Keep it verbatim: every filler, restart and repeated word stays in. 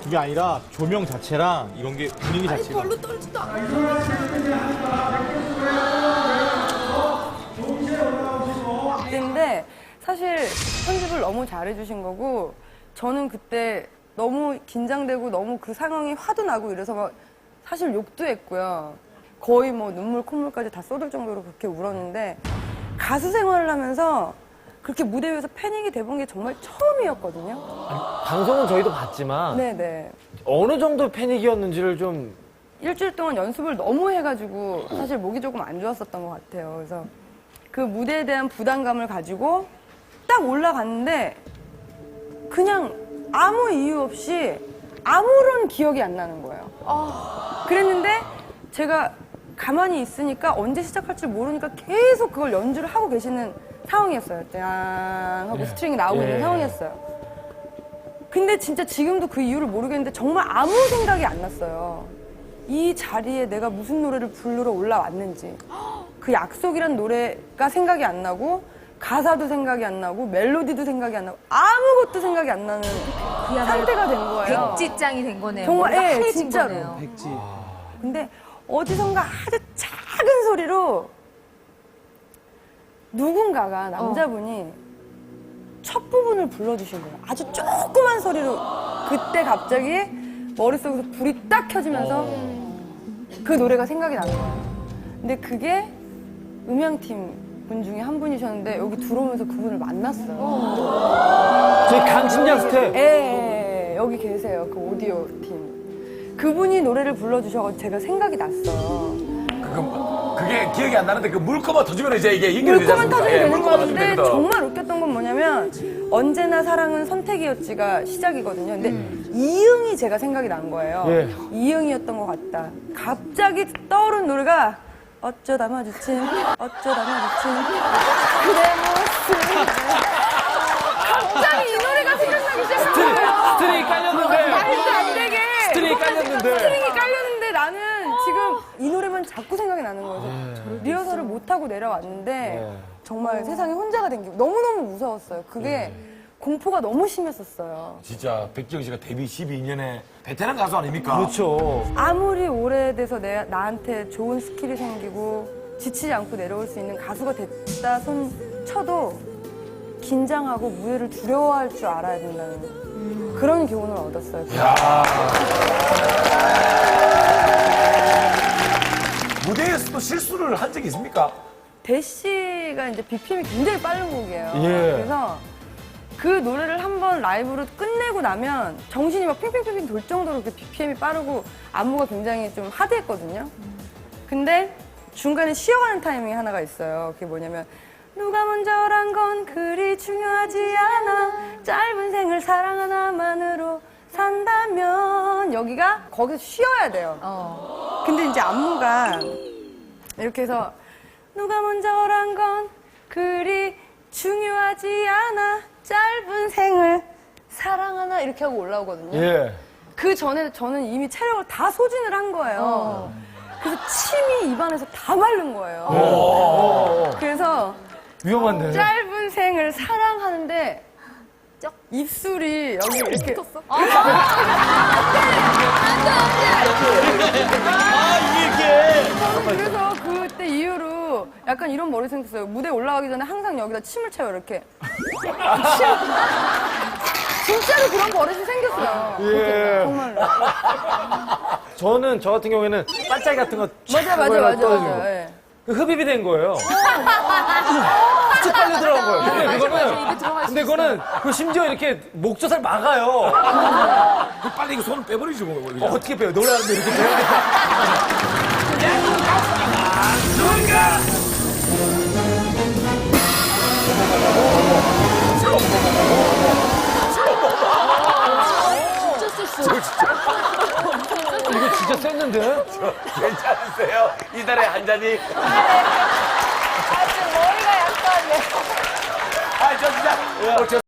그게 아니라 조명 자체랑 이런 게 분위기 자체가. 별로 떨지도 않아. 근데 사실 편집을 너무 잘해주신 거고 저는 그때 너무 긴장되고 너무 그 상황이 화도 나고 이래서 막 사실 욕도 했고요. 거의 뭐 눈물 콧물까지 다 쏟을 정도로 그렇게 울었는데 가수 생활을 하면서 그렇게 무대 위에서 패닉이 돼본 게 정말 처음이었거든요. 방송은 저희도 봤지만 네네. 어느 정도 패닉이었는지를 좀 일주일 동안 연습을 너무 해가지고 사실 목이 조금 안 좋았었던 것 같아요. 그래서 그 무대에 대한 부담감을 가지고 딱 올라갔는데 그냥 아무 이유 없이 아무런 기억이 안 나는 거예요. 그랬는데 제가 가만히 있으니까 언제 시작할지 모르니까 계속 그걸 연주를 하고 계시는 상황이었어요. 짠 하고 스트링이 나오고 있는 예. 상황이었어요. 근데 진짜 지금도 그 이유를 모르겠는데 정말 아무 생각이 안 났어요. 이 자리에 내가 무슨 노래를 부르러 올라왔는지 그 약속이란 노래가 생각이 안 나고 가사도 생각이 안 나고 멜로디도 생각이 안 나고 아무것도 생각이 안 나는 상태가 된 거예요. 백지장이 된 거네요. 정말 머리가 예, 하얘진 진짜로. 거네요. 백지. 근데 어디선가 아주 작은 소리로 누군가가 남자분이 첫 부분을 불러주신 거예요. 아주 조그만 소리로 그때 갑자기 머릿속에서 불이 딱 켜지면서 그 노래가 생각이 나는 거예요. 근데 그게 음향팀 분 중에 한 분이셨는데 여기 들어오면서 그분을 만났어요. 저희 강심장 스텝. 예, 예, 예, 여기 계세요. 그 오디오 팀. 그분이 노래를 불러주셔가지고 제가 생각이 났어요. 그, 그게 기억이 안 나는데 그 물꼬만 터지면 이제 이게 연결이 되지 물꼬만 않습니까? 터지게 예, 되는 물꼬만 터지면 건데 되거든. 정말 웃겼던 건 뭐냐면 언제나 사랑은 선택이었지가 시작이거든요. 근데 이응이 제가 생각이 난 거예요. 예. 이응이었던 것 같다. 갑자기 떠오른 노래가 어쩌다 마주친 어쩌다 마주친 그대 모습 갑자기 이 노래가 생각나기 시작한 거예요. 스트링이 깔렸는데. 말도 안 되게 스트링이 깔렸는데. 스트링이 깔렸는데 나는 지금 이 노래만 자꾸 생각이 나는 거예요. 리허설을 못하고 내려왔는데 네. 정말 세상에 혼자가 된 게 너무너무 무서웠어요. 그게 공포가 너무 심했었어요. 진짜 백지영 씨가 데뷔 십이 년에 베테랑 가수 아닙니까? 그렇죠. 아무리 오래돼서 내, 나한테 좋은 스킬이 생기고 지치지 않고 내려올 수 있는 가수가 됐다 손 쳐도 긴장하고 무대를 두려워할 줄 알아야 된다는 그런 교훈을 얻었어요. 무대에서도 실수를 한 적이 있습니까? 대시가 이제 비피엠이 굉장히 빠른 곡이에요. 예. 그래서 그 노래를 한번 라이브로 끝내고 나면 정신이 막 핑핑핑핑 돌 정도로 그 비피엠이 빠르고 안무가 굉장히 좀 하드했거든요. 근데 중간에 쉬어가는 타이밍이 하나가 있어요. 그게 뭐냐면 누가 먼저란 건 그리 중요하지 않아 짧은 생을 사랑 하나만으로 산다면 여기가 거기서 쉬어야 돼요. 근데 이제 안무가 이렇게 해서 누가 먼저란 건 그리 중요하지 않아 짧은 생을 사랑하나 이렇게 하고 올라오거든요. 예. 그 전에 저는 이미 체력을 다 소진을 한 거예요. 그래서 침이 입안에서 다 마른 거예요. 그래서 위험한데. 짧은 생을 사랑하는데 입술이 여기 이렇게 저는 그래서 그때 이후로 약간 이런 머리 생겼어요. 무대 올라가기 전에 항상 여기다 침을 채워요, 이렇게. 침. 진짜로 그런 버릇이 생겼어요. 예. 정말로. 저는 저 같은 경우에는 반짝이 같은 거 맞아, 맞아, 맞아, 맞아. 예. 그 흡입이 된 거예요. 쭉 빨려 들어간 거예요. 근데 그거는 근데 그거는 그 심지어 이렇게 목젖을 막아요. 그 빨리 이거 손을 빼버리지 뭐. 어, 어떻게 빼요? 노래하는데 이렇게 빼야 이거 진짜 셌는데? 괜찮으세요? 이달에 한 잔이. 아, 지금 머리가 약간. 아, 저 진짜. 어, 저